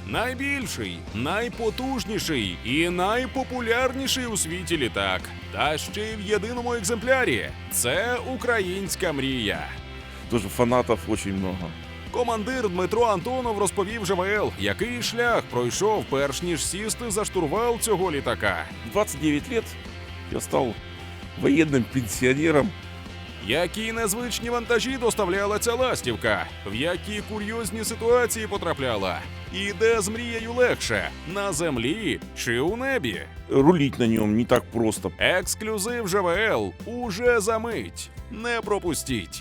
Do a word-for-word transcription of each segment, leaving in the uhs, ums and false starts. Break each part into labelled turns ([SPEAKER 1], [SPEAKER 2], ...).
[SPEAKER 1] Найбільший, найпотужніший і найпопулярніший у світі літак. Та ще й в єдиному екземплярі. Це українська мрія.
[SPEAKER 2] Тоже фанатов очень много.
[SPEAKER 1] Командир Дмитро Антонов розповів ЖВЛ, який шлях пройшов, перш ніж сісти за штурвал цього літака.
[SPEAKER 2] В двадцать девять лет я стал военным пенсионером.
[SPEAKER 1] Які незвичні вантажі доставляла ця ластівка, в які курйозні ситуації потрапляла, і де з мрією легше – на землі чи у небі.
[SPEAKER 2] Рулить на нем не так просто.
[SPEAKER 1] Ексклюзив ЖВЛ уже за мить. Не пропустіть.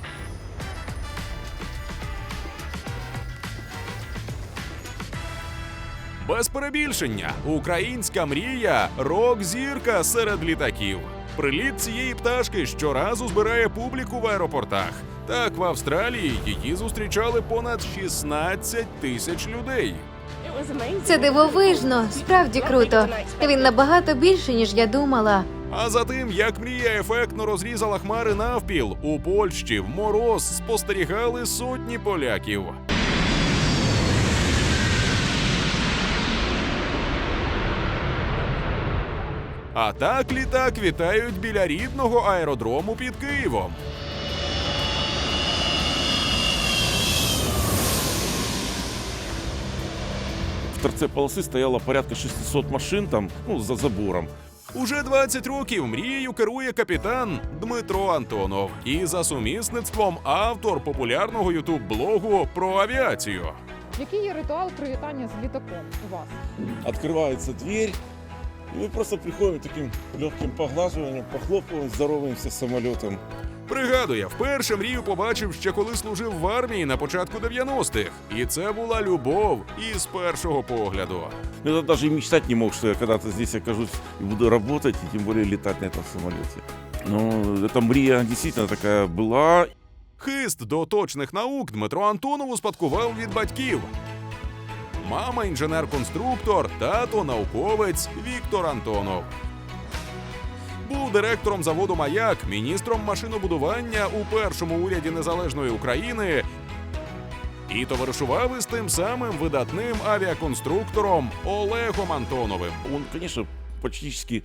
[SPEAKER 1] Без перебільшення, українська мрія – рок-зірка серед літаків. Приліт цієї пташки щоразу збирає публіку в аеропортах. Так, в Австралії її зустрічали понад шістнадцять тисяч людей.
[SPEAKER 3] Це дивовижно, справді круто. Він набагато більше, ніж я думала.
[SPEAKER 1] А за тим, як мрія ефектно розрізала хмари навпіл, у Польщі в мороз спостерігали сотні поляків. А так літак вітають біля рідного аеродрому під Києвом.
[SPEAKER 2] В торце полосы стояло порядка шестисот машин там, ну, за забором.
[SPEAKER 1] Уже двадцять років мрією керує капітан Дмитро Антонов. І за сумісництвом автор популярного ютуб-блогу про авіацію.
[SPEAKER 4] Який є ритуал привітання з літаком у вас?
[SPEAKER 2] Открывается дверь, и мы просто приходим таким легким поглаживанием, похлопываем, здороваемся с самолетом.
[SPEAKER 1] Пригадує, вперше мрію побачив ще коли служив в армії на початку дев'яностих. І це була любов із першого погляду.
[SPEAKER 2] Я даже и мечтать не мог, что я когда-то здесь окажусь и буду работать, и тем более летать на этом самолете. Но эта мрия действительно такая была.
[SPEAKER 1] Хист до точних наук Дмитро Антонов успадкував від батьків. Мама – інженер-конструктор, тато – науковець Віктор Антонов. Був директором заводу «Маяк», міністром машинобудування у першому уряді Незалежної України і товаришував із тим самим видатним авіаконструктором Олегом Антоновим.
[SPEAKER 2] Он, конечно, практически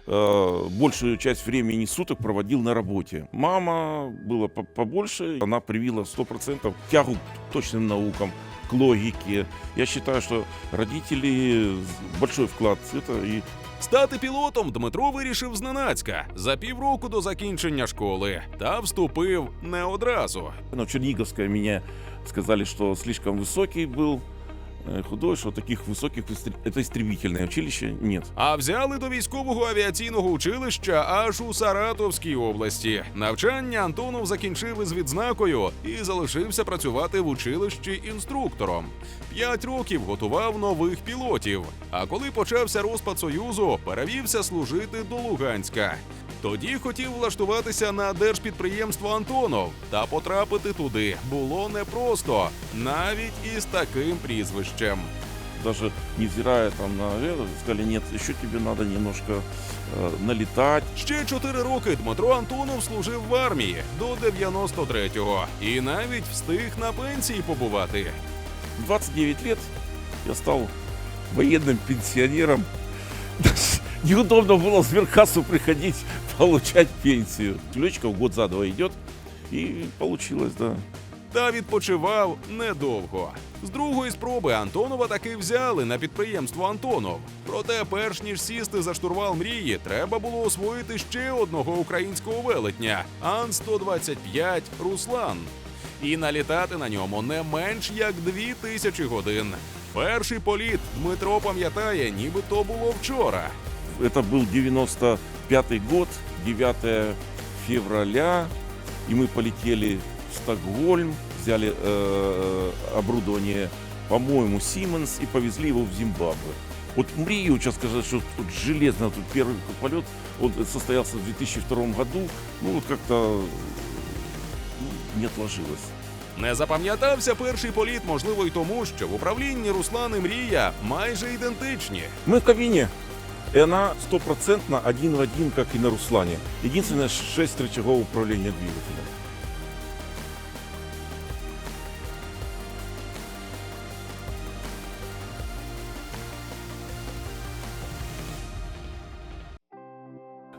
[SPEAKER 2] э, большую часть времени суток проводил на работе. Мама была по- побольше, она привила сто процентов тягу к точным наукам, к логике. Я считаю, что родители большой вклад в это и
[SPEAKER 1] Стати пілотом Дмитро вирішив зненацька за півроку до закінчення школи. Та вступив не одразу.
[SPEAKER 2] ну, в Черниговское меня сказали, что слишком высокий был, э, худой, что таких высоких истр- это истребительное училище нет.
[SPEAKER 1] А взяли до військового авіаційного училища аж у Саратовській області. Навчання Антонов закінчив із відзнакою і залишився працювати в училищі інструктором. П'ять років готував нових пілотів. А коли почався розпад Союзу, перевівся служити до Луганська. Тоді хотів влаштуватися на держпідприємство «Антонов», та потрапити туди було непросто, навіть із таким прізвищем.
[SPEAKER 2] Даже невзирая там на это, сказали, нет, еще тебе надо немножко э, налетать.
[SPEAKER 1] Ще чотири роки Дмитро Антонов служив в армії до дев'яносто третього і навіть встиг на пенсії побувати.
[SPEAKER 2] В двадцать девять лет я стал военным пенсионером. Даже неудобно было в сберкассу приходить, получать пенсию. Летчиков год за два идет, и получилось, да.
[SPEAKER 1] Та відпочивав недовго. З другої спроби Антонова таки взяли на підприємство «Антонов». Проте, перш ніж сісти за штурвал мрії, треба було освоїти ще одного українського велетня – Ан сто двадцять п'ять «Руслан». І налітати на ньому не менш як дві тисячі годин. Перший політ Дмитро пам'ятає, ніби то було вчора.
[SPEAKER 2] Это был девяносто пятый год, девятое февраля, и мы полетели в Стокгольм, взяли э, оборудование, по-моему, Siemens, и повезли его в Зимбабве. Вот мрию, сейчас сказать, что тут железно, тут первый полет, он состоялся в две тысячи втором году, ну вот как-то ну, не отложилось.
[SPEAKER 1] Не запам'ятався перший політ, можливо, й тому, що в управлінні Руслан і Мрія майже ідентичні.
[SPEAKER 2] Мы в кабине, и она стопроцентно один в один, как и на Руслане. Единственное, шесть рычагов управления двигателем.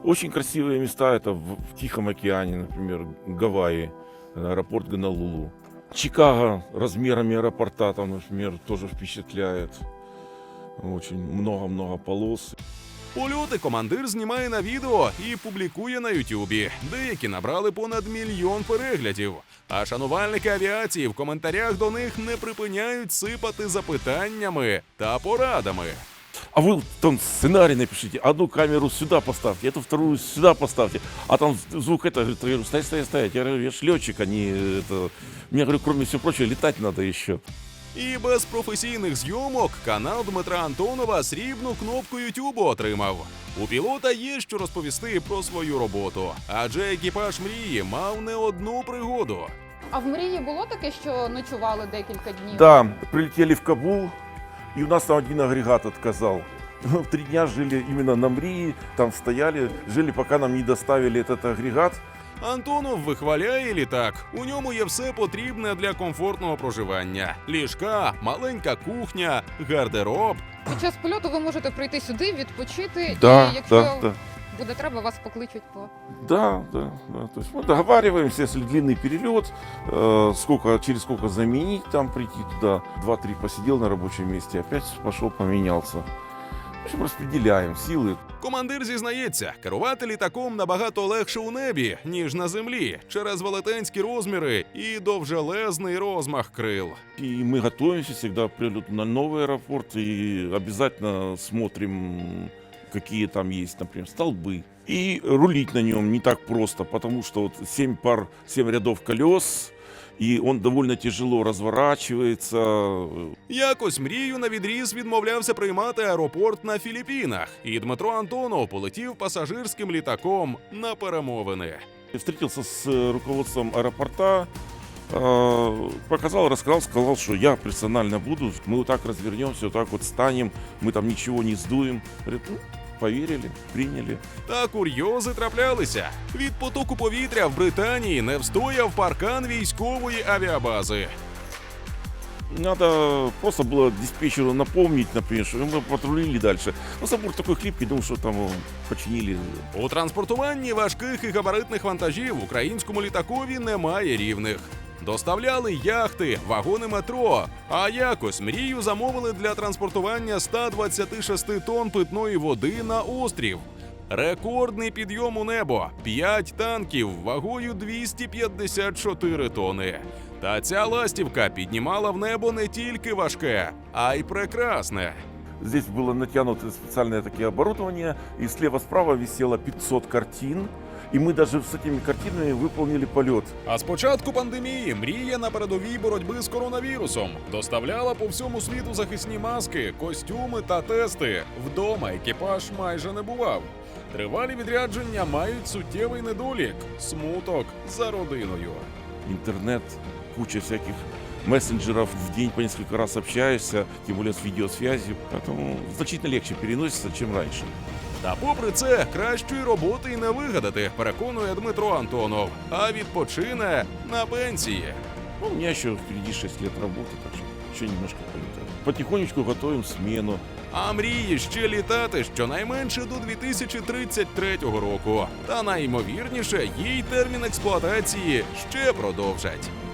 [SPEAKER 2] Очень красивые места это в, в Тихом океане, например, Гавайи, аэропорт Гонолулу. Чикаго размерами аэропорта, там, например, тоже впечатляет. Очень много-много полос.
[SPEAKER 1] Польоти командир знімає на відео і публікує на Ютубі. Деякі набрали понад мільйон переглядів. А шанувальники авіації в коментарях до них не припиняють сипати запитаннями та порадами.
[SPEAKER 2] А вы там сценарий напишите, одну камеру сюда поставьте, эту вторую сюда поставьте, а там звук это, говорит, я говорю, стоять, стоять, стоять, я говорю, я ж летчик, а не это... Мне, говорю, кроме всего прочего, летать надо еще.
[SPEAKER 1] І без професійних зйомок канал Дмитра Антонова срібну кнопку Ютубу отримав. У пілота є що розповісти про свою роботу, адже екіпаж мрії мав не одну пригоду.
[SPEAKER 4] А в мрії було таке, що ночували декілька днів?
[SPEAKER 2] Да, прилетели в Кабул, и у нас там один агрегат отказал. Мы три дня жили именно на Мрии, там стояли, жили, пока нам не доставили этот агрегат.
[SPEAKER 1] Антонов вихваляє літак. У ньому є все потрібне для комфортного проживання: ліжка, маленька кухня, гардероб.
[SPEAKER 4] Під час польоту ви можете прийти сюди, відпочити,
[SPEAKER 2] Да,
[SPEAKER 4] і якщо
[SPEAKER 2] да, да.
[SPEAKER 4] буде треба, вас покличуть по...
[SPEAKER 2] Да, да, да. То есть мы договариваемся, если длинный перелет, э, сколько, через сколько заменить, там прийти туда. Два-три посидел на рабочем месте, опять пошел поменялся. В общем, распределяем силы.
[SPEAKER 1] Командир зізнається, керувати літаком набагато легше у небі, ніж на землі, через велетенські розміри і довжелезний розмах крил.
[SPEAKER 2] И мы готовимся всегда к прилету на новый аэропорт и обязательно смотрим, какие там есть, например, столбы. И рулить на нем не так просто, потому что вот семь пар, семь рядов колес, и он довольно тяжело разворачивается.
[SPEAKER 1] Якось мрію на відріз відмовлявся приймати аеропорт на Філіппінах, і Дмитро Антонов полетів пасажирським літаком на перемовини.
[SPEAKER 2] Я встретился с руководством аэропорта, э, показал, рассказал, сказал, что я персонально буду, мы вот так развернемся, вот так вот станем, мы там ничего не сдуем. Говорит, ну, поверили, приняли.
[SPEAKER 1] Та курйози траплялися. Від потоку повітря в Британії не встояв паркан військової авіабази.
[SPEAKER 2] Надо просто было диспетчеру напомнить, например, что мы патрулили дальше. Но забор такой хлипкий, думаю, что там его починили.
[SPEAKER 1] У транспортуванні важких і габаритних вантажів українському літакові немає рівних. Доставляли яхти, вагони метро, а якось мрію замовили для транспортування ста двадцяти шести тонн питної води на острів. Рекордний підйом у небо – п'ять танків вагою двісті п'ятдесят чотири тонни. Та ця ластівка піднімала в небо не тільки важке, а й прекрасне.
[SPEAKER 2] Здесь было натянуто специальное такие оборудование, и слева-справа висело пятьсот картин, и мы даже с этими картинами выполнили полет.
[SPEAKER 1] А з початку пандемії мрія на передовій боротьби з коронавірусом доставляла по всьому світу захисні маски, костюми та тести. Вдома екіпаж майже не бував. Тривалі відрядження мають суттєвий недолік – смуток за родиною.
[SPEAKER 2] Интернет, куча всяких мессенджеров, в день по несколько раз общаешься, тем более с видеосвязью, поэтому значительно легче переносится, чем раньше.
[SPEAKER 1] Та попри це, кращої роботи й не вигадати, переконує Дмитро Антонов, а відпочине на пенсії.
[SPEAKER 2] Ну, у меня еще впереди шесть лет работы, так что еще немножко полетаю. Потихонечку готовим смену.
[SPEAKER 1] А мріє ще літати щонайменше до дві тисячі тридцять третього року. Та найімовірніше, їй термін експлуатації ще продовжать.